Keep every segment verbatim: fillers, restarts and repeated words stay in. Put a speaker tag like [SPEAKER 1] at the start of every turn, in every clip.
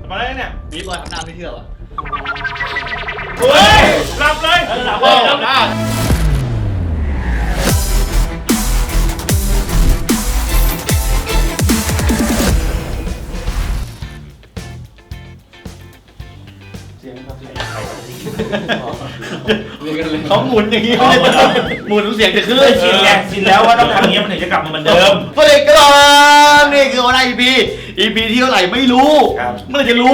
[SPEAKER 1] มาได้เนี่ย
[SPEAKER 2] บีบอยทำหน้าไม่เชื่อว่ะ
[SPEAKER 1] เฮ้ยหลับเลยหลับเลยหลับได้
[SPEAKER 2] เขาหมุนอย่างนี้หมุนเสียงจะขึ้น
[SPEAKER 1] ชินแล้วชินแล้วว่าต้องทำอย่างนี้มันถึงจะกลับมาเหมือนเดิม
[SPEAKER 2] สวัสดีครับนี่คือวัน อี พี อี พี ที่เท่าไหร่ไม่รู้เมื่อจะรู้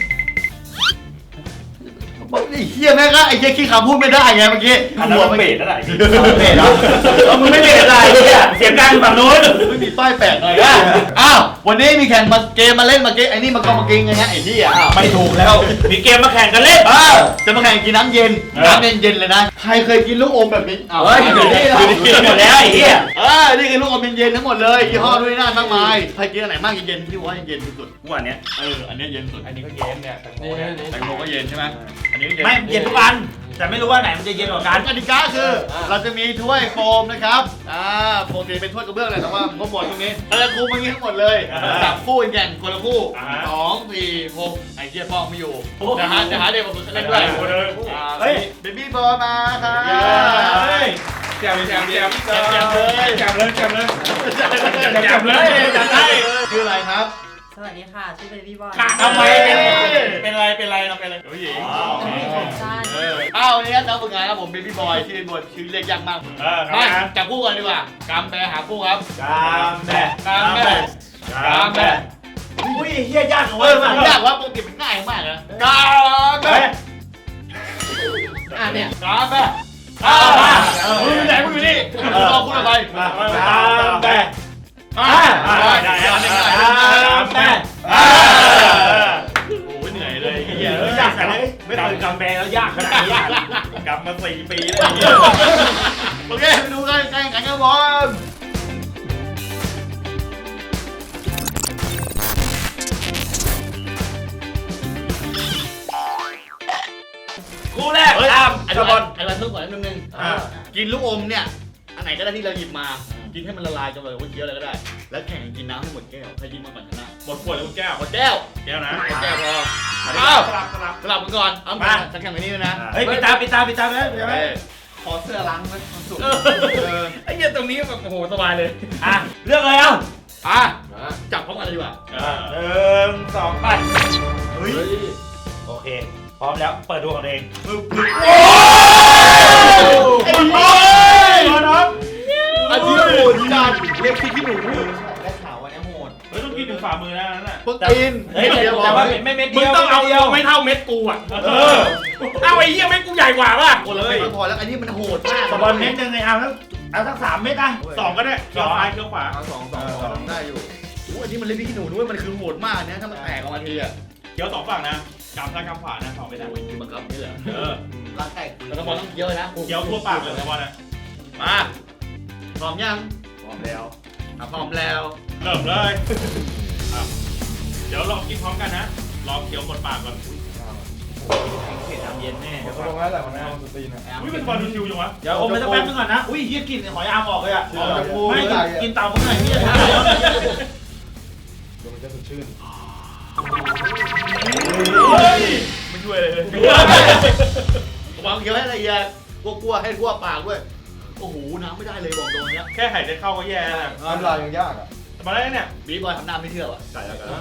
[SPEAKER 2] ไอ้เฮียแม่งก็ไอ้เฮียขี้ขาพูดไม่ได้ไงเมื่อกี้
[SPEAKER 1] หัวไม่เบรดแล้วไหน
[SPEAKER 2] เบรดแล้ว
[SPEAKER 1] มึงไม่เบรดอะไรเนี่ยเสียงดังฝั่งนู้น
[SPEAKER 2] ไม่มีป้ายแปะหน่อยอ่ะอ้าววันนี้มีแข่งมาเกมมาเล่นมาเกมไอ้นี่มันก็มาเกมไงฮะไอ้นี่อ่ะ
[SPEAKER 1] ไม่ถูกแล้วมีเกมมาแข่งกันเล่น
[SPEAKER 2] เออจะมาแข่งกินน้ำเย็นน้ำเย็นเย็นเลยนะใครเคยกินลูกอมแบบนี้
[SPEAKER 1] เฮ้ยอยู่นี่หมดแล้วไอ้เหี้ย
[SPEAKER 2] เออนี่คือลูกอมเย็นๆทั้งหมดเลยยี่ห้อด้วยหน้ามากมายใครกินอันไหนมากเย็นที่ว่าเย็นที่สุด
[SPEAKER 1] วันนี้
[SPEAKER 2] เอออันนี้เย็นสุด
[SPEAKER 1] อันนี้ก็เย็นเนี่ยแตงโมเนี่ย
[SPEAKER 2] แตงโมก็เย็นใช่ไหมอันนี้
[SPEAKER 1] ไม่เย็นทุกวันแต่ไม่รู้ว่าไหนมันจะเย็นกว่ากัน
[SPEAKER 2] กติกาคือเราจะมีถ้วยโฟมนะครับอ่าโฟมจะเป็นถ้วยกระเบื้องเลยแต่ว่าผมก็หมดตรงนี้เราจะคุมอย่างนี้ทั้งหมมดเลยจับคู่แข่งคนละคู่สองสี่หกไอ้เจี๊ยบฟองไม่อยู่จะหาจะหาเด็กมาฝึกเล่นด้วยเฮ้ยเบบี้บอลมาค่ะ
[SPEAKER 1] แจมแจมแจมแจมแจมเลยแจมเลยแจมเลยแจมเลยแจมได้
[SPEAKER 2] ชื่ออะไรครับ
[SPEAKER 3] สวัสดีค่ะชื่อเบบี้บอย
[SPEAKER 1] ทำไมเป็นเป็นอะไรเป็นอะไรเราเป็นอะไรผู้หญิง
[SPEAKER 2] อ้าววันนี้น้องฝึกงานครับผมเบบี้บอยชื่อเบบี้บอยชื่อเรียกยากมากมาจับคู่กันดีกว่ากำแบหาคู่ครับ
[SPEAKER 1] กำแบ
[SPEAKER 2] กำแบกำแบ
[SPEAKER 1] อุ้ยเฮียยาก
[SPEAKER 2] เออมันยากว่าปกติมันง่ายมากนะกำแบอ่ะเนี่ยกำแบอ่ามึงอยู่ไหนมึงอยู่นี่รอคุณอะไร
[SPEAKER 1] กำแบอ่าได้ได้ได้ได้โอ้ยเหนื่อยเลยเฮียยากขนาดนี้ไม่เคยกำแบแล้วยากขนาดนี้กลับมาสี่ปีแล้ว
[SPEAKER 2] โอเคไปดูกันกันกันกันบอล
[SPEAKER 1] คู่แรกตามไอ้บอล
[SPEAKER 2] ไอ้บอลเพิ่งก่อนนิดนึงกินลูกอมเนี่ยอันไหนก็ได้ที่เราหยิบมากินให้มันละลายจนแบบว่าเคี้ยวอะไรก็ได้แล้วแข่งกินน้ำให้หมดแก้วใครกินมาก่อนชนะ
[SPEAKER 1] หมดขวดหรือหมดแก้ว
[SPEAKER 2] หมดแก้ว
[SPEAKER 1] แก้วนะ
[SPEAKER 2] หมดแก้วพอ
[SPEAKER 1] เอาสลับสลับ
[SPEAKER 2] สลับกันก่อนเอามาจะแข่งแบบนี้นะ
[SPEAKER 1] เฮ้ยปิดตาปิดตาปิดตาเลย
[SPEAKER 2] ขอเสื้อล้างมันสุด
[SPEAKER 1] ไอ้เหี้ยตรงนี้แบบโอ้โหสบายเลยอ่ะเลือกเลยเอ้า
[SPEAKER 2] อ่ะจับพร้อมกันดีกว่า
[SPEAKER 1] หนึ่งสองไปเฮ้ยโอเคพร้อมแล้วเปิดดูของเองปึ๊บปึ๊บโอ้
[SPEAKER 2] ไอ้บอลน้องอันนี้โหดจัดเรียกพี่ขี้หนู
[SPEAKER 3] ได้ข่าววันนี้โหด
[SPEAKER 1] เฮ้ยต้องกินถึงฝ่ามือนะนั่นน่ะ
[SPEAKER 2] โปรตีน
[SPEAKER 1] เฮ้ยแต่ว่าไม่เม็ดเดียวมึงต้องเอาไม่เท่าเม็ดกูอ่ะเออเอาไอ้เหี้ยเม็ดกูใหญ่กว่าป่ะ
[SPEAKER 2] โอ้เลยพอแล้วอันนี้มันโหดมาก
[SPEAKER 1] บอลเม็ดนึงเลยเอาแล้วเอาสักสามเม็ดอ่ะสองก็ได้เกี่ยวซ้ายเกี่ยวขวา
[SPEAKER 2] สองสองสองได้อยู่โอ้อันนี้มันเล่นพี่ขี้หนูด้วยมันคือโหดมากนะถ้ามันแตกออกมาทีอ่ะ
[SPEAKER 1] เกี่ยวสองฝั่งนะกำซ้ายกำขวานะสองไม่ได้
[SPEAKER 2] กินบังคับนี่เหรอ
[SPEAKER 1] เออ
[SPEAKER 3] รักแตก
[SPEAKER 2] แล้วก็บอลต้องเกี่ยวนะ
[SPEAKER 1] เกี่ยวทั่วปากเลยนะบอลนะ
[SPEAKER 2] มาพร้อมยัง
[SPEAKER 1] พร้อมแล้ว
[SPEAKER 2] พร้อมแล้ว
[SPEAKER 1] เริ่มเลยเดี๋ยวลองกินพร้อมกันนะลองเคี้ยวกดปากก่อน
[SPEAKER 3] เผ็ดน้ำเย็นแน่
[SPEAKER 4] เดี๋ยวเขาลงแล้วแหละมันเอาสตรีนอ่ะ
[SPEAKER 1] อุ้ยเป็นบอลดูชิวจังวะเดี๋ยวอมไปสักแป๊บนึงก่อนนะอุ้ยเฮียกินหอยอามออกเลยอ่ะไม่กินเต่าเมื่อไหร่เนี่ย
[SPEAKER 4] เดี๋ยวมันจะสดชื่น
[SPEAKER 1] ไม่ช่วยเลย
[SPEAKER 2] วางเคี้ยวให้ละเอียดกลัวๆให้ทั่วปากด้วยโอ้โหน้ำไม่ได้เลยบอกตรงนี้
[SPEAKER 1] แค่หายใจเข้าก็แย่แล้ว
[SPEAKER 4] น้ำลายยังยากอ่ะ
[SPEAKER 1] มาได้เนี่ย
[SPEAKER 2] บีบอยทำหน้าไม่เชื่อว่ะ
[SPEAKER 1] ใส่แล้วกัน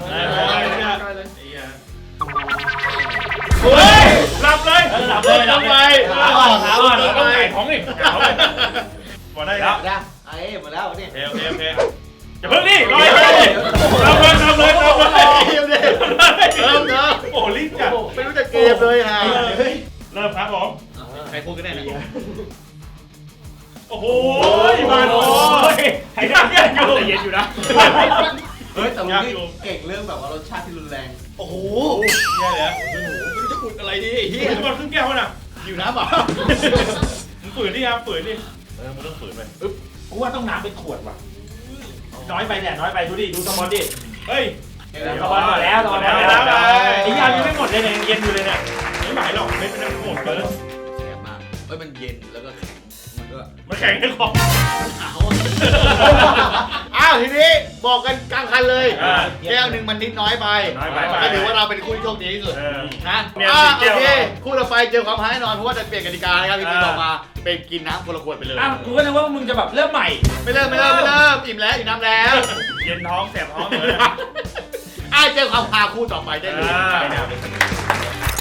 [SPEAKER 1] เฮ้ยหลับเลยหลับเลยหลับเลยขาอ่อนขาอ่อนต้องไก่ท้องอีกพอได้แล้ว
[SPEAKER 3] ไอ้หมดแล้วนี่
[SPEAKER 1] โอเคโอเคอย่าเพิ่งนี่รอเลยทำเลยทำเลยทำเลย
[SPEAKER 2] เกมเลยเริ่มเนอะ
[SPEAKER 1] โอ้ลิ้นจัด
[SPEAKER 2] ไม่รู้จะเกมเลยฮะ
[SPEAKER 1] เริ่มครับผม
[SPEAKER 2] ใครพูดกันแน่นะ
[SPEAKER 1] โอ้โหมาโอ้ยไอ้เนี่ยอยู่แต่เย็นอยู่นะ
[SPEAKER 3] เฮ้ยแต่ลุงนี่เก่งเรื่องแบบว่ารสชาติที่รุนแรง
[SPEAKER 2] โอ้โห
[SPEAKER 1] แย่เลย
[SPEAKER 2] ไม่รู้จะอุดอะไรดี
[SPEAKER 1] เฮียจะมาครึ่งแก้วน่ะ
[SPEAKER 2] อยู่น้ำป่ะ
[SPEAKER 1] มึงฝืนดิครับฝืนดิเออมึงต้องฝืนไปอึ๊บกูว่าต้องน้ำเป็นขวดว่ะน้อยไปแหละน้อยไปดูดิดูสมอนดิเฮ้ยสมอนหมดแล้วสมอนแล้วไอ้ยายังไม่หมดเลยเนี่ยยังเย็นอยู่เลยเนี่ยไม่หมายหรอกไม่เป็นน้ำหมดเลย
[SPEAKER 2] แสบมากเฮ้ยมันเย็นแล้วก็แข็งมันก็
[SPEAKER 1] มันแข็งในคอ
[SPEAKER 2] อ้าวทีนี้บอกกันกลางคันเลย
[SPEAKER 1] อ่า
[SPEAKER 2] แก้วหนึ่งมันนิดน้อยไป
[SPEAKER 1] น้อยไป
[SPEAKER 2] ก็ถือว่าเราเป็นคู่ที่โชคดีที่สุด
[SPEAKER 1] เออ
[SPEAKER 2] นะ
[SPEAKER 1] เนี่ย
[SPEAKER 2] อ่า
[SPEAKER 1] สี่
[SPEAKER 2] โอ
[SPEAKER 1] แก้ว
[SPEAKER 2] เคคู่ต่อไปเจอความหายแน่นอนเพราะว่าจะเปลี่ยนกติกานะครับพี่ปีต่อมาเป็นกินน้ำคนละขวดไปเลย
[SPEAKER 1] อ้าวกูก็นึกว่ามึงจะแบบเริ่มใหม่
[SPEAKER 2] ไม่เริ่มไม่เริ่มไม่เริ่มอิ่มแล้วอิ่มน้ำแล้ว
[SPEAKER 1] เย็นท้องแสบท้องเลย
[SPEAKER 2] อ่าเจอความพาคู่ต่อไปได้เลย
[SPEAKER 1] อ่า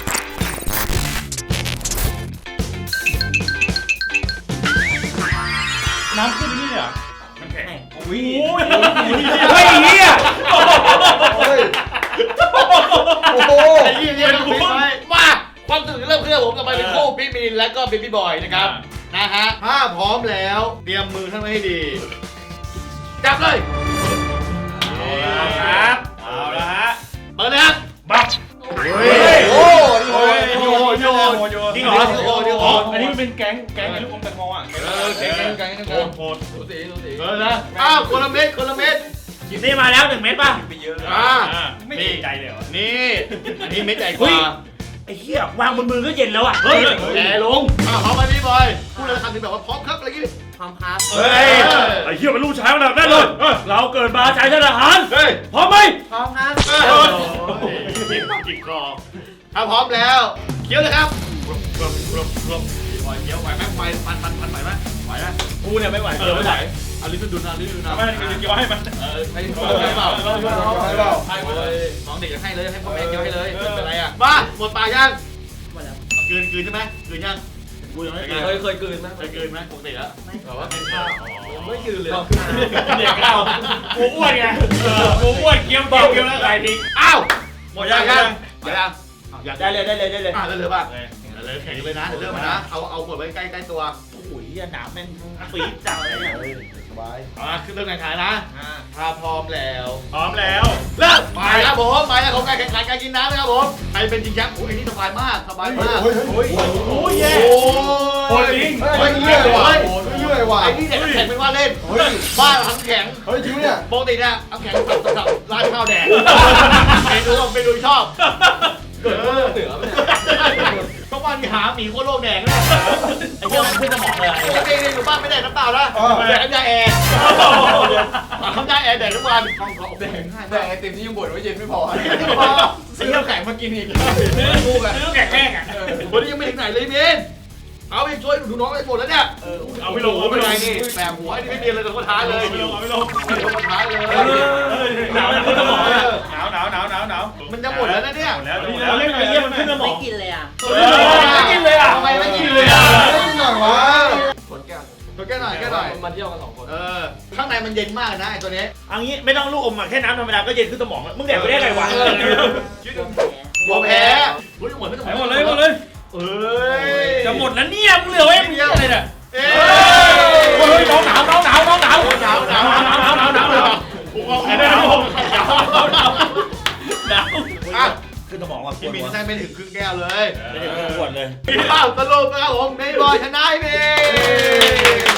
[SPEAKER 1] น้ำขึ้นนี่เหรอมันแข็งอุ้ยอุ้ยเฮ้ยเฮีย
[SPEAKER 4] เฮ้ย โอ้โห
[SPEAKER 2] ไอ้ยี่ยี่ต้องปิดไว้มาความตื่นเริ่มเคลื่อนผมต่อไปเป็นคู่พี่มีนและก็เบบี้บอยนะครับนะฮะถ้าพร้อมแล้วเตรียมมือท่านไว้ให้ดีจับเลย
[SPEAKER 1] เอาครับเอาละฮะ
[SPEAKER 2] เปิดเลยครับ
[SPEAKER 1] บับ
[SPEAKER 4] เฮ้ย โอ้โห
[SPEAKER 2] โยนโยนโยน
[SPEAKER 1] จริงเหรอ
[SPEAKER 2] โยนโยน
[SPEAKER 1] อันนี้มันเป็นแก๊งแก๊งลูกอมแตงโมอ่ะ
[SPEAKER 2] เออเก่งเก่งเก่งเก่ง
[SPEAKER 1] โหดโหด
[SPEAKER 3] ดูสีดูสี
[SPEAKER 2] เออนะอ้าวคนละเม็ดคนละเม็ด
[SPEAKER 1] นี่มาแล้วหนึ่งเม็ดป่ะ
[SPEAKER 3] ไปเยอะเลย
[SPEAKER 2] อ่า
[SPEAKER 1] ไม่ดีใจเลยเหรอ
[SPEAKER 2] นี่อันนี้เม็ดใหญ่ก
[SPEAKER 1] เฮ้
[SPEAKER 2] ว่าย
[SPEAKER 1] ไอ้เหี้ยวางบนมือก็เย็นแล้วอ่ะ
[SPEAKER 2] เฮ้ยแย่ลงอ้าวพร้อมไหมพี่บอยพูดเลยคำถึงแบบว่าพร้อมครับอะไรกี้
[SPEAKER 3] ความครับ
[SPEAKER 1] เฮ้ยไอ้เหี้ยมันลูกชายมันแบบนั้นเลยเราเกิดมาชายชาติทหาร
[SPEAKER 2] เฮ้ย
[SPEAKER 1] พร้อมไหม
[SPEAKER 3] พร้อมครับ
[SPEAKER 2] จิกคอถ้าพร้อมแล้วเคี้ยวเลยครับ
[SPEAKER 1] กรอบกรอบกรอบ
[SPEAKER 2] ปล่อยเคี้ยวไหวไหมไฟมันมันมันไหวไหมไหวไหม
[SPEAKER 1] กูเนี่ยไม่ไหว
[SPEAKER 2] เออไม่ไหวเอาลิ้นดุนเอาลิ้นดุนเอา
[SPEAKER 1] ไม่ได้เกี่ยวให้มัน
[SPEAKER 2] เออให้เปล่า
[SPEAKER 4] ให้เปล่า
[SPEAKER 2] ให้เลยน้องเด็กจะให้เลยให้พ่อแม่เคี้ยวให้เลยไม่เป็นไรอ่ะมาหมดปากยัง
[SPEAKER 3] หมดแล้ว
[SPEAKER 2] กลืนกลืนใช่ไหมกลืนยังกูยังไม่กลืน
[SPEAKER 3] เคยเคยกลืนไหม
[SPEAKER 2] เคยกลืนไหมปกติแล้วแบบว่าเป็นข้าว
[SPEAKER 3] ไม่กลืนเลย
[SPEAKER 1] เด็กเรากูอ้วนไงกูอ้วนเกี่ยวเกี่ยวเกี่ยวแล้วใครทิ้ง
[SPEAKER 2] อ้าวหมดยังยังหมดยังอยาก
[SPEAKER 1] ได้เลยได้เลยได้เลย
[SPEAKER 2] อ่ะเลยป่ะเลยแข่งเลยนะเดี๋ยวเริ่มมานะเอาเอาขวดไว้ใกล้ใกล้ตัว
[SPEAKER 1] โอ้ยหนามแม่งปี๊ดจังเลยเนี่ย
[SPEAKER 4] สบาย
[SPEAKER 2] อ่ะขึ้นเริ่มแข่งขันนะถ้าพร้อมแล้ว
[SPEAKER 1] พร้อมแล้ว
[SPEAKER 2] เริ่มไปครับผมไปแล้วของการแข่งขันการกินน้ำนะครับผมใครเป็นจริงจังโอ้ยนี่สบายมากสบายมาก
[SPEAKER 4] เฮ้ยเฮ้ย
[SPEAKER 1] โอ้ยแย่
[SPEAKER 2] โอ้
[SPEAKER 1] โอ้ยจริง
[SPEAKER 4] เฮ้ยเรื่อยว่ะเรื่อยว่ะ
[SPEAKER 2] ไอ้นี่เด็กแข่งเป็นว่าเล่น
[SPEAKER 4] เฮ้ย
[SPEAKER 2] บ้านทำแข็ง
[SPEAKER 4] เฮ้ยจริงเนี่ย
[SPEAKER 2] ปกติเนี่ยเอาแข็งสับสับร้านข้าวแดงเมนูเมนูชอบ
[SPEAKER 3] เกิดเหนือไหม
[SPEAKER 2] ทุกวันหาหมีโคโลกแดงเนี่ย
[SPEAKER 1] ไอ้เหี้ยมันขึ้นสมองเลย
[SPEAKER 2] ปกติเนี่ยอยู่บ้านไม่ได้น้ำเปล่านะแดกน้ำยาแอร์น้ำยาแอร์แดกทุกวันห้องเขาแดงง่าย
[SPEAKER 3] แต่ไอติมที่ยังบ่นว่าเย็นไม่พอ
[SPEAKER 2] ซื้อน้ำแข็งมากินอีก
[SPEAKER 1] กูอะซื้อแกะแห้งอ่ะ
[SPEAKER 2] วันนี้ยังไม่ถึงไหนเลยเมนเอาไปช่วยดูน้องไอ้ฝนแล้วเนี่ย
[SPEAKER 1] เอาไม่ลง
[SPEAKER 2] โอ้
[SPEAKER 1] เอา
[SPEAKER 2] ไม่
[SPEAKER 1] ไม่
[SPEAKER 2] เป็น
[SPEAKER 1] ล
[SPEAKER 2] ไรง นี่แหมหัวนี่ไม่เรียนเลยแต่คนท้าเลย
[SPEAKER 1] เอาไม่ลงเอาไม่ลง
[SPEAKER 2] ไม่เป็นคนท้าเลย
[SPEAKER 1] หนาวขึ้นสมองเลยหนาวหนาวหนาวหนาวหนาว
[SPEAKER 2] มันจะหมดแล้วนะเนี่ย
[SPEAKER 1] หมดแล้วหมดแล้วเล่นไอ้เหี้ยมันขึ้นสมอง
[SPEAKER 3] กินเลยอ่ะ
[SPEAKER 1] ไม่กินเลยอ่ะ
[SPEAKER 2] ทำไมไม่กินเลยอ่ะ
[SPEAKER 4] ไม่กินหน่อยวะ
[SPEAKER 3] คนแก้ว
[SPEAKER 2] ตัวแก้หน่อยแก้หน่อย
[SPEAKER 3] มาเที่ยวกันสองคน
[SPEAKER 2] เออข้างในมันเย็นมากนะไอ้ตัวนี้
[SPEAKER 1] เอางี้ไม่ต้องลูกอมอ่ะแค่น้ำธรรมดาก็เย็นขึ้นสมองแล้วมึงแดกไปได้ไงวะ
[SPEAKER 2] หัวแพ้อุ้ยหมดไม่ต้อง
[SPEAKER 1] หมดเลยหมดเลย
[SPEAKER 2] เอ้ย
[SPEAKER 1] จะหมดแล้วเนี่ยมึงเหลือไว้มึงเยอะเลยเนี่ย
[SPEAKER 2] เอ้
[SPEAKER 1] เฮ้ยน้องหนาวน้องหนาวน้องหนาว
[SPEAKER 2] หนาวหนาวหนาวหนาวหนาวหนาวหนาวผมเอาแขนได้แล้วผมหนาวหนาวหนาว
[SPEAKER 1] หนาว
[SPEAKER 2] อ่ะ
[SPEAKER 1] ขึ้นสมองว่ะ
[SPEAKER 2] พี่มินใช่ไม่ถึงครึ่งแก้วเลย
[SPEAKER 1] ไม่ได้ขึ้นขวดเลย
[SPEAKER 2] อ้าวสรุปนะครับผมเมย์บอยชนะเมย์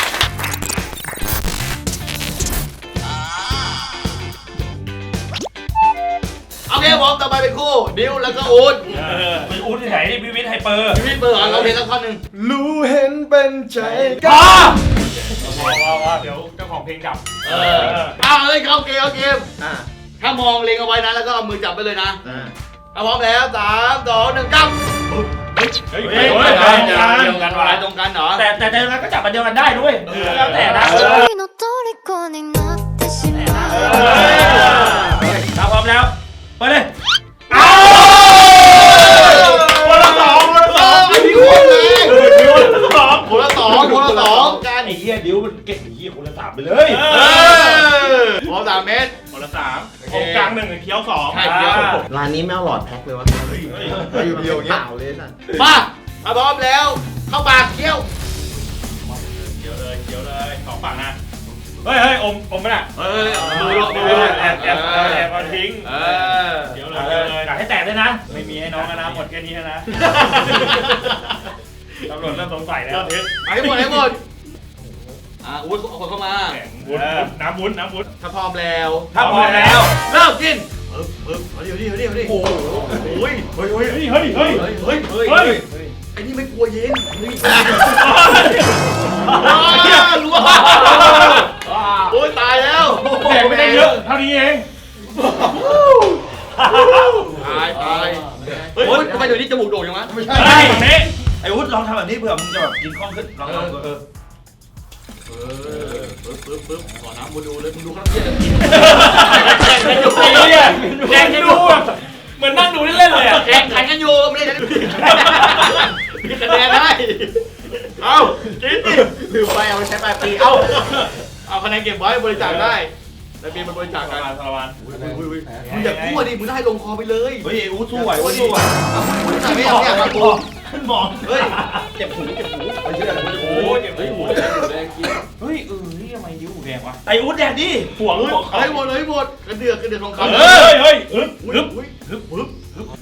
[SPEAKER 2] โอเคผมต่อไปเป็นคู่ดิวแล้วก็อูด
[SPEAKER 1] เป็นอุ้นที่ไหนนี่พิวิทไฮเปอร์
[SPEAKER 2] พี่มินเปิดเราเพลงสักท่อนหนึ่ง
[SPEAKER 4] รู้เห็นเป็นใจ
[SPEAKER 1] พ
[SPEAKER 4] กั
[SPEAKER 1] อน พอพอพอเดี๋ยวเจ้าของเพลงดับ
[SPEAKER 2] เออเอาเลยเข้าเกมเข้าเกม
[SPEAKER 3] อ่า
[SPEAKER 2] ถ้ามองเล็งเอาไว้นะแล้วก็เอามือจับไปเลยนะถ้าพร้อมแล้วสามสองหนึ่งกั้ม
[SPEAKER 1] เฮ้ย
[SPEAKER 2] เฮ้ย
[SPEAKER 1] เฮ้ย
[SPEAKER 2] เฮ้ย
[SPEAKER 1] เดียวกันว่ะ
[SPEAKER 2] ตรงกันเหรอ
[SPEAKER 1] แต่แต่แต่แล้วก็จับมันเดียวกันได้ด้วยแล้วแต่นะ
[SPEAKER 5] 君の虜になってしまう
[SPEAKER 1] ถ้าพร้อมแล้วไปเลยอ้คนละสองคนละสอง
[SPEAKER 2] ไอ้ดิวเลย
[SPEAKER 1] คนละสอง
[SPEAKER 2] คนละสองคนละสองกัน
[SPEAKER 1] ไอ้เหี้ยดิวมันเก่งไอ้เหี้ยคนละสามไปเลย
[SPEAKER 2] พร้อมสามเมตร
[SPEAKER 1] คนละสามตรงกลางหนึ่งเคี้ยวสอง
[SPEAKER 2] ใช่เคี้ยว
[SPEAKER 3] ร้านนี้ไม่เอาหลอดแพ็คเลยวะ
[SPEAKER 4] อยู่เดียวอย่าง
[SPEAKER 3] เป
[SPEAKER 4] เงี้ย
[SPEAKER 3] ล่าเลยสัตว์
[SPEAKER 2] มาถ้าพร้อมแล้วเข้าปากเคี้ยว
[SPEAKER 1] เคี้ยวเลยเคี้ยวเลยสองฝั่งนะเฮ้ยเฮ้ยอมอมไม่ได้
[SPEAKER 2] เฮ้ย
[SPEAKER 1] ดูดูแอบแอบแอบมาทิ้ง
[SPEAKER 2] เออ
[SPEAKER 1] เคี้ยวเลยเคี้ยวเลยกัดให้แตกด้วยนะไม่มีให้น้องนะหมดแค่นี้นะตำรวจเริ่มสงสัยแล้ว
[SPEAKER 2] ไปให้หมดให้หมดอ่าอุ้ยเอาคนเข้ามา
[SPEAKER 1] แข็งวุ้นน้ำวุ้นน้ำวุ้น
[SPEAKER 2] ถ้าพร้อมแล้ว
[SPEAKER 1] ถ้าพร้อมแล้ว
[SPEAKER 2] เริ่มกินปึ๊บปึ๊บเอาดิเอาดิเอาดิเอาดิโอ้โหโอ้ย
[SPEAKER 1] เฮ้ยเฮ้ยเฮ้ยเฮ้ย
[SPEAKER 2] เฮ้ยเฮ้ย
[SPEAKER 1] เฮ้ย
[SPEAKER 2] ไอ้นี่ไม่กลัวเย็นเฮ้ย
[SPEAKER 1] เฮ้ย
[SPEAKER 2] รู้ว่าโอ้ยตายแล้ว
[SPEAKER 1] แดกไปได้เยอะเท่านี้เอง
[SPEAKER 2] ตายตายเฮ้ยทำไมเดี๋ยวนี้จมูกโด่งจังวะ
[SPEAKER 4] ไม่ใช่
[SPEAKER 1] ไอ้นี่ไอ้วุฒิลองทำแบบนี้เผื่อมึงจะแบบกินคล่องขึ้นลองลองเออ
[SPEAKER 2] เออปึ๊บปึ๊บปึ๊บขอน้ำมาดูเลยมึงดูข้างเที่ยง
[SPEAKER 1] แข่งกันดูเหมือนนั่งดูเล่นๆเลยอ่ะ
[SPEAKER 2] แข่งขันกันอยู่ไม่ได้มีคะแนนได้เอากินดิ
[SPEAKER 3] ลืมไปเอาไปใช้ปลายปี เอา
[SPEAKER 2] เอาคะแนนเก็บไว้บริจาคได้แล้วมีมันบริจาคกัน
[SPEAKER 1] สารวัตร
[SPEAKER 2] มึงอย่าพูดดิมึงได้ลงคอไปเลย
[SPEAKER 1] เฮ้ยวุฒิสู้ไหววุฒิสู้ไหว
[SPEAKER 2] มึงไม่เอาเนี่ยมากู
[SPEAKER 1] ขึ้นมอง
[SPEAKER 2] เฮ้ย
[SPEAKER 3] เจ็บหูเจ็บหู
[SPEAKER 4] ไม่เชื่อ
[SPEAKER 1] โอ้ยเฮ้ยหูแดงหูแดงกินเฮ้ยเออนี่ทำไมยิ้วหูแดงวะไอ้วุฒิแดงดิหัว
[SPEAKER 2] เฮ้
[SPEAKER 1] หั
[SPEAKER 2] ยว
[SPEAKER 1] เขา
[SPEAKER 2] เฮ้ยหมดเลยหมดกระเดือกกระเดือกทองคำ
[SPEAKER 1] เฮ้ยเฮ้ยฮึบ
[SPEAKER 2] ฮึ
[SPEAKER 1] ฮึ
[SPEAKER 2] บบ ฮึบฮึบ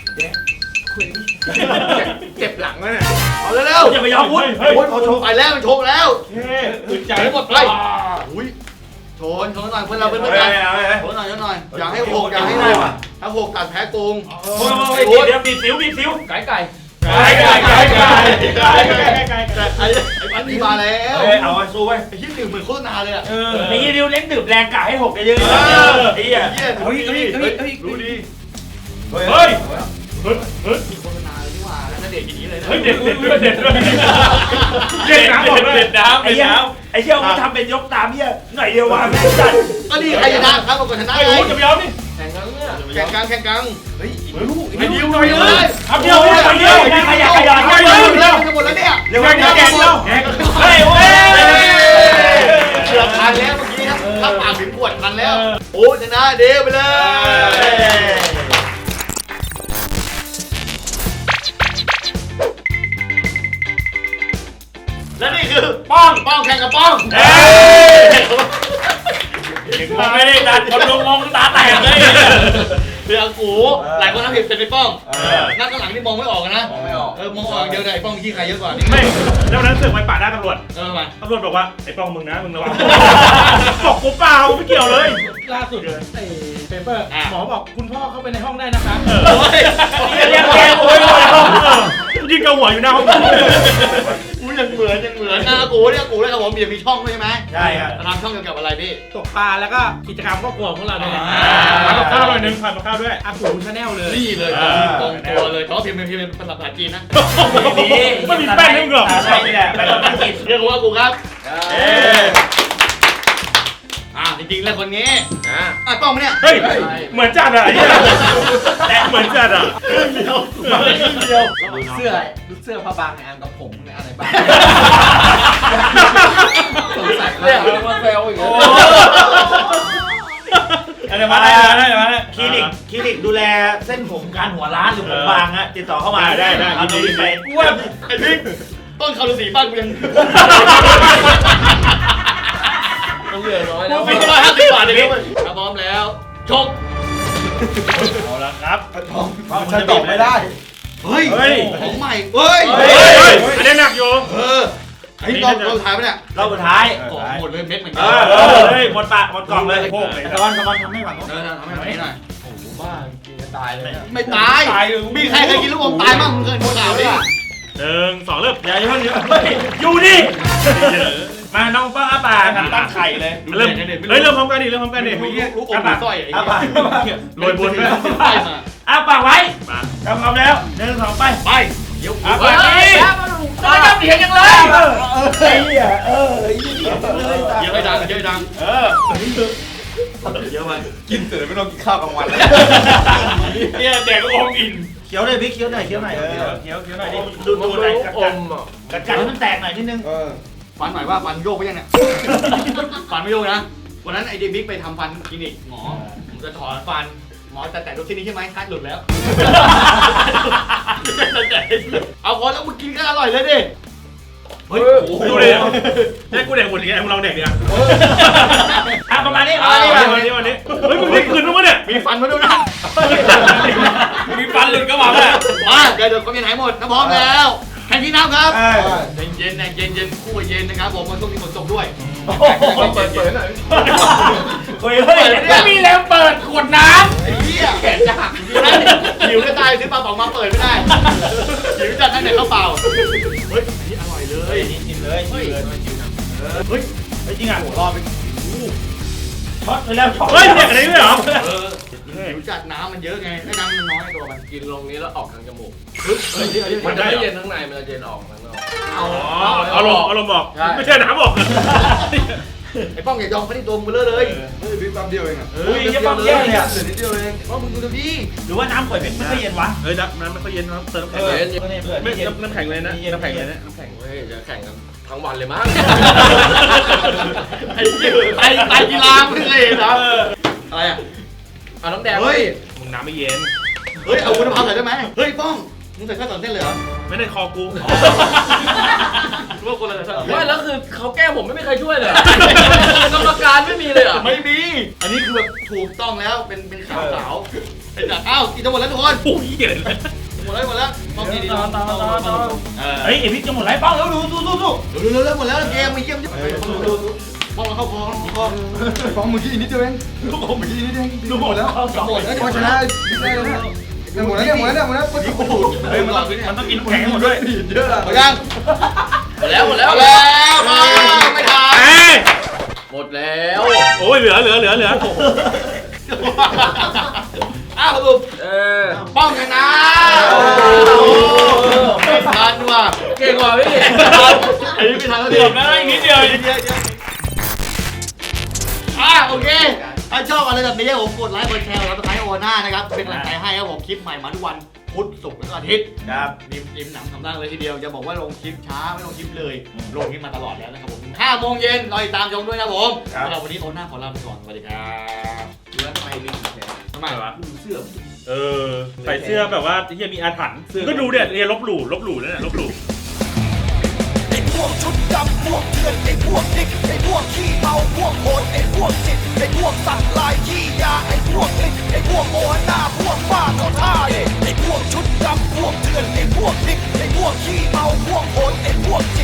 [SPEAKER 3] เจ็บหลังแล้วเนี่ย
[SPEAKER 2] เอาเร็ว
[SPEAKER 1] อย่าไปยอมวุฒิ
[SPEAKER 2] ๆโอ้ยเขาโชว์ไปแล้วมันโชว์แล้ว
[SPEAKER 1] เฮ้ยอึดใจ
[SPEAKER 2] หมดไปอุ้ยโชว์โชว์หน่อยเพื่อนเราเป็นเพื่อนกันโชว์หน่อยโชว์หน่อยอย่าให้หกอย่าให้หกถ้าหกตัดแพ้โกง
[SPEAKER 1] โอ้ยเดี๋ยวบีบสิวบีบสิว
[SPEAKER 3] ไก่ไก่
[SPEAKER 1] ไก่ไก่ไก่ไก่ไก่ไก่ไก่
[SPEAKER 2] แต่ไอ้ไอ้ปันนี่มาแล้ว
[SPEAKER 1] เฮ้ยเอาไว้สู้ไว้
[SPEAKER 2] ไอ้ที่ดื่มเหมือนโฆษณาเลยอ่ะ
[SPEAKER 1] เออนี่ดิวเล่นดื่มแรงกะให้หกเยอะๆไอ้เหี้ย
[SPEAKER 2] เฮ้ยเฮ้ยเฮ้ยเฮ้ยเฮ้ยรู้ดี
[SPEAKER 1] เฮ้ยเฮ้ยเฮ้ย
[SPEAKER 2] มีโฆษณาเลยนี่หว่าแล้วเด็กอย่างนี้เลยนะ
[SPEAKER 1] เฮ้ยเด็ดเด็ดด้วยเด็ดด้วยเด็ดน้ำบอกด้วยเด็ดน้ำไอ้เหี้ยไอ้เหี้ยมึงทำเป็นยกตามเหี้ยหน่อยเดียววางไม่จัด
[SPEAKER 2] ก็นี่ใครชนะครับบอกก่อนชนะ
[SPEAKER 1] ไอ้
[SPEAKER 2] ไง
[SPEAKER 1] โอ้จะไปยอมนี่
[SPEAKER 3] แข่งกันเนี่ย
[SPEAKER 2] แข่งกลางแข่งกลางเฮ้ยลูก
[SPEAKER 1] ไอ้ดิวหน่อยเลยทำเดียวทำเดียวขยันขยันข
[SPEAKER 2] ไป
[SPEAKER 1] ยัน
[SPEAKER 2] เร็วจะหมดแล้วเนี่ย
[SPEAKER 1] เร็วแกงแกงเร็วเฮ้ยโอ้ย
[SPEAKER 2] เกือบทันแล้วเมื่อกี้นะถ้าปากถึงขวดทันแล้ว โอ้ชนะเดวไปเลย และนี่คือป้องป้องแข่งกับป้อง
[SPEAKER 1] เฮ้ยมองไม่ได้ดันคนลงมองตาแตกเลย
[SPEAKER 2] เรือกูหลายคนทำผิดเป็นไปป้องนั่งข้างหลังนี่มองไม่ออกนะ
[SPEAKER 3] มองไม่ออก
[SPEAKER 2] เออมองออกเดียวเลยป้องขี้ใครเยอะกว่านี่
[SPEAKER 1] ไม่แล้วนั้นเสือกไปปาดหน้าตำรวจ
[SPEAKER 2] เออมา
[SPEAKER 1] ตำรวจบอกว่าไอ้ป้องมึงนะมึงระวังบอกกูเปล่าไม่เกี่ยวเลย
[SPEAKER 6] ล่าสุดไอ้เปเปอร์หมอบอกคุณพ่อเข้าไปในห้องได้นะครับ
[SPEAKER 2] โอ้ย
[SPEAKER 1] เรียกแกโอ้ยยิงกระหัวอยู่หน้าห้อง
[SPEAKER 2] กูยังเหมือนยังเหมือนหน้ากูเนี่ยกูเลยครับผมมีมีช่องด้วยใช่ไหม
[SPEAKER 1] ใช่ครับ
[SPEAKER 2] ทำช่องเกี่ยวกับอะไรพี่
[SPEAKER 6] ตกปลาแล้วก็กิจกรรมครอบครัวของเราเนี่ย
[SPEAKER 1] ทำกับข้าวหน่อยนึงผัดกับข้าวด้วย
[SPEAKER 6] อากูชาแนลเลย
[SPEAKER 2] นี่เลยตรงตัวเลยแต่ว่าพิมพ์เป็นพิมพ์เป็นภาษาจีนนะ
[SPEAKER 1] ไม่มีแป้งให้มึงหรอกใช่นี่แหละแป้งต้องกิน
[SPEAKER 2] เรียกว่ากูครับ
[SPEAKER 1] เอ๊ะ
[SPEAKER 2] อ่าจริงๆแล้วคนนี้อ่ะป้องมาเนี่ย
[SPEAKER 1] เฮ้ยเหมือนจัดอะไอ้เนี่ยแต่เหมือนจัดอะ
[SPEAKER 2] เดียวมาครึ่งเดียว
[SPEAKER 3] เสื้อเสื้อผ้าบางในอันกับผมในอันไหนบ้างสงสัยมากมาแซวอีกแล้ว
[SPEAKER 1] อะไรมาได้ได้มาได้คลินิกคลินิกดูแลเส้นผมการหัวร้านหรือผมบางฮะติดต่อเข้ามาได้ได้เอาดีไป
[SPEAKER 2] กูว่าไอ้พี่ต้นคารุสีบ้านกูยัง
[SPEAKER 3] ต้องเหลือน้อย
[SPEAKER 2] กู
[SPEAKER 3] แล้ว
[SPEAKER 2] มีร้อยห้าสิบบาทเองถ้าพร้อมแล้วชก
[SPEAKER 1] เอาละครับ
[SPEAKER 4] มันจะตอบไม่ได้
[SPEAKER 2] เฮ้ย
[SPEAKER 1] เฮ้ย
[SPEAKER 2] ของใหม่เฮ้ย
[SPEAKER 1] เฮ้ยอันนี้หนักอยู่
[SPEAKER 2] เออไอ้รอบรอบท้ายปะเนี่ย
[SPEAKER 1] รอบสุดท้าย
[SPEAKER 2] ของหมดเลยเม็ดเหมือน
[SPEAKER 1] เอ
[SPEAKER 2] กัน
[SPEAKER 1] อเออเฮ้ยหมดปากหมดกล่องเลยโคกเลยตะวันตะวันทำให้หวัง
[SPEAKER 2] เออทำให้หน่อยหน่อย
[SPEAKER 3] บ้ากินจะตายเลย
[SPEAKER 2] ไม่ตายมีใครเคยกินลูกอมตายบ้างมึงเคยดูข่าวดิ
[SPEAKER 1] หนึ่งสองเริ่มอย่าอย่าเพิ่งอยู่นี่มาน้องป้าอาปากตั้งไข่เลยเริ่มเฮ้ยเริ่มพร้อมกันดิเริ่มพร้อมกันดิ
[SPEAKER 2] ลูกอมมีสร้อย
[SPEAKER 1] อาปากโรยบนด้วย
[SPEAKER 2] ไส้มา
[SPEAKER 1] อาปากไว้มาทำพร้อมแล้วหนึ่งสองไป
[SPEAKER 2] ไปเดี๋ยว
[SPEAKER 1] อาปากนี่
[SPEAKER 2] ไม่ต้องเถียงกันเลย
[SPEAKER 4] ไอ้เหี้ยเออไอ้เหี้ย
[SPEAKER 2] เยอะไปดังเยอะดัง
[SPEAKER 1] เออเยอะไป
[SPEAKER 4] กินเสร็จไม่ต้องกินข้าวกลางวัน
[SPEAKER 1] เนี่ยแดกก็อมอิ่มเคี้ยวเลยพี่เคี้ยวหน่อยเคี้ยวหน่อยเคี้ยวเคี้ยวหน่อยดิดูดูหน่อยกัด
[SPEAKER 3] อ
[SPEAKER 1] กัด
[SPEAKER 3] มอ่ะ
[SPEAKER 1] กัดกัดให้มันแตกหน่อยนิดนึง
[SPEAKER 4] เออ
[SPEAKER 2] ฟันหน่อยว่าฟันโยกไปยังเนี่ยฟันไม่โยกนะวันนั้นไอเดมิกไปทำฟันคลินิกหมอผมจะถอนฟันหมอแต่แต่ดูที่นี้ใช่ไหมคัดหลุดแล้วเอาพอแล้วมึงกินก็อร่อยเลยดิเฮ้ย
[SPEAKER 1] ดูเลยให้กูแดกหมดอย่างเงี้ยมึงลองแดกดิอ่ะอ่ะประมาณนี้ประมาณนี้ประมาณนี้วันนี้เฮ้ยมึงได้คืนมั้งเนี่ย
[SPEAKER 2] มีฟันมาด้วยนะ
[SPEAKER 1] มีฟันหลุดก็มาแล้ว
[SPEAKER 2] มาเดี๋ยวเดี๋ยวก็มีหายหมดถ้าพร้อมแล้วแข่งที่น้ำครับ
[SPEAKER 4] เออ
[SPEAKER 2] เย็นเย็นเย็นเย็นคู่เย็นนะครับผมมันช่วงนี้ฝนตกด้วย
[SPEAKER 4] เปิดเปิดหน่อย
[SPEAKER 1] เฮ้ยเฮ้ยไม่มีแรงเปิดขวดน้
[SPEAKER 2] ไอ้เหี้ยแขนจะหักอยู่นะหิวจะตายซื้อปลาป๋องมาเปิดไม่ได้หิวจัดนั่นเนี่ยข้าวเปล่าเฮ้ยนี่อร่อยเล
[SPEAKER 1] ำเฮ้
[SPEAKER 2] ย
[SPEAKER 1] ยนี่กินเลยกินเลย
[SPEAKER 2] เฮ้ย
[SPEAKER 1] เฮ้ยจริงอ่ะ
[SPEAKER 2] รอไป
[SPEAKER 1] ช็อตไปแล้วช็อต
[SPEAKER 6] เฮ้ยเด็กอะไรด้วยเหรอ
[SPEAKER 2] เออหิวจัดน้ำมันเยอะไงให้น้ำมันน้อยตัวมัน
[SPEAKER 3] กินลงนี้แล้วออกทางจมูก
[SPEAKER 2] เฮ้ยเดี๋ยวเดี๋ยว
[SPEAKER 3] มัน
[SPEAKER 2] เดี๋ยว
[SPEAKER 3] จะไม่เย็นข้างในมันจะเย็นออกข้างนอก
[SPEAKER 2] เอา
[SPEAKER 6] อ๋อเอาลงเอาลงบอกไม่ใช่น้ำบอก
[SPEAKER 2] ไอ้ป้องอย่ายอมไปที่ตัวมึงเลยเลย
[SPEAKER 4] เฮ้ยบิ๊กปั๊มเดียวเองอ่ะ
[SPEAKER 1] เฮ้ยเยี่ยมเยี่ยมเลยอ่ะ
[SPEAKER 4] เหลือนิดเดียวเอง
[SPEAKER 2] ป้องมึงดูดิ
[SPEAKER 1] หรือว่าน้ำข่อยเป็นไม่ค่อยเย็นวะ
[SPEAKER 6] เฮ้ยน้ำน้ำไม่ค่อยเย็นน้ำเติมน้ำ
[SPEAKER 1] เอ
[SPEAKER 6] แข็ง
[SPEAKER 1] อ
[SPEAKER 6] เลย
[SPEAKER 1] เพื่อน
[SPEAKER 6] ไม่
[SPEAKER 1] เย็น
[SPEAKER 6] น้ำแข็งเลยนะน้ำแข็งเลยนะน้ำแข็ง
[SPEAKER 3] เฮ้ยจะแข่งกันทั้งวันเลยมั้ง
[SPEAKER 2] ไอ้เหี้ยไอ้ไอ้กีฬามึงเลยนะอะไรอ่ะ
[SPEAKER 3] เอาน้ำแดง
[SPEAKER 2] เฮ้ย
[SPEAKER 6] มึงน้ำไม่เย็น
[SPEAKER 2] เฮ้ยเอาคุณภาพใส่ได้ไหมเฮ้ยป้องมึงใส่ข้าวตอนเต้นเลยเหรอ
[SPEAKER 6] ไม่ได้คอกู
[SPEAKER 2] รู้ว่าคนละใส่
[SPEAKER 3] ไม่แล้วคือเขาแก้ผมไม่มีใครช่วยเลยกรรมการไม่มีเลยอ่ะ
[SPEAKER 2] ไม่มีอันนี้คือแบบถูกต้องแล้วเป็นเป็นขาวขาวไอ้จัดอ้าวกินจะหมดแล้วทุกคน
[SPEAKER 6] โอ้ยเย็นเลย
[SPEAKER 2] หมดแล้วหมดแล้วต้องกินดีๆ
[SPEAKER 1] เฮ้ยไอพี่จะหมดไรป้องแล้วดูดูดูดู
[SPEAKER 2] เร็วเร็วเร็วหมดแล้วเกมมาเยี่ยมป้องมาเข้าคอเข้าคอ
[SPEAKER 4] ไอ้ฟองเมื่อกี้นิดเดียวเองลูกอมเมื่อกี้นิดเดียวเองดูหมดแล้ว
[SPEAKER 1] สองหมด
[SPEAKER 4] เฮ้ยพอชนะได้แล้วเนี่ยหมดแล้วเนี่ยหมดแล้วเนี่ยหมดแล้วปุ๊บปุ๊บปุ๊บ
[SPEAKER 6] เฮ้ยมันต้องมันต้องกินน้ำแข็งให้หมดด้วย
[SPEAKER 4] เยอะอะ
[SPEAKER 2] หมดยัง
[SPEAKER 3] หมดแล้วหมดแล้ว
[SPEAKER 2] หมดแล้วไม่ทัน
[SPEAKER 6] เอ้ย
[SPEAKER 3] หมดแล้ว
[SPEAKER 6] โอ้ยเหลือเหลือเหลือเหลือ
[SPEAKER 2] อ้าวสรุป
[SPEAKER 3] เออ
[SPEAKER 2] ป้องชนะไม่ทันว่ะ
[SPEAKER 3] เก่งกว่าพี่
[SPEAKER 2] อันนี้ไม่ทันแล้วดิ
[SPEAKER 6] เกือบแล้วอีกนิดเดียว
[SPEAKER 2] อ่ะโอเคถ้าชอบอะไรแบบนี้ผมกดไลค์กดแชร์แล้วก็ไลค์โอน่านะครับเป็นกำลังใจให้ครับผมคลิปใหม่มาทุกวันพุธศุกร์และอาทิตย์
[SPEAKER 1] ครับ
[SPEAKER 2] ริมริมหนังทำร่างเลยทีเดียวจะบอกว่าลงคลิปช้าไม่ลงคลิปเลยลงคลิปมาตลอดแล้วนะครับผมห้าโมงเย็นรอติดตามชมด้วยนะผมสำหรับวันนี้โอน่าขอลาไปก่อนสวัสดีครับ
[SPEAKER 3] แล้วทำไมมีแขน
[SPEAKER 2] ทำไม
[SPEAKER 6] วะ
[SPEAKER 3] ดูเสื้อ
[SPEAKER 6] เออใส่เสื้อแบบว่าที่มีอาถรรพ์ก็ดูเด็ดเรียนลบหลู่ลบหลู่นั่นแหละลบหลู่
[SPEAKER 7] ไอ้พวกชุดดำพวกเถื่อนไอ้พวกดิกไอ้พวกขี้เมาพวกโหดไอ้พวกจิตไอ้พวกสัตว์ลายขี้ยาไอ้พวกลิกไอ้พวกโอหน้าพวกบ้าเขาท่าไอ้พวกชุดดำพวกเถื่อนไอ้พวกดิกไอ้พวกขี้เมาพวกโหดไอ้พวกจิต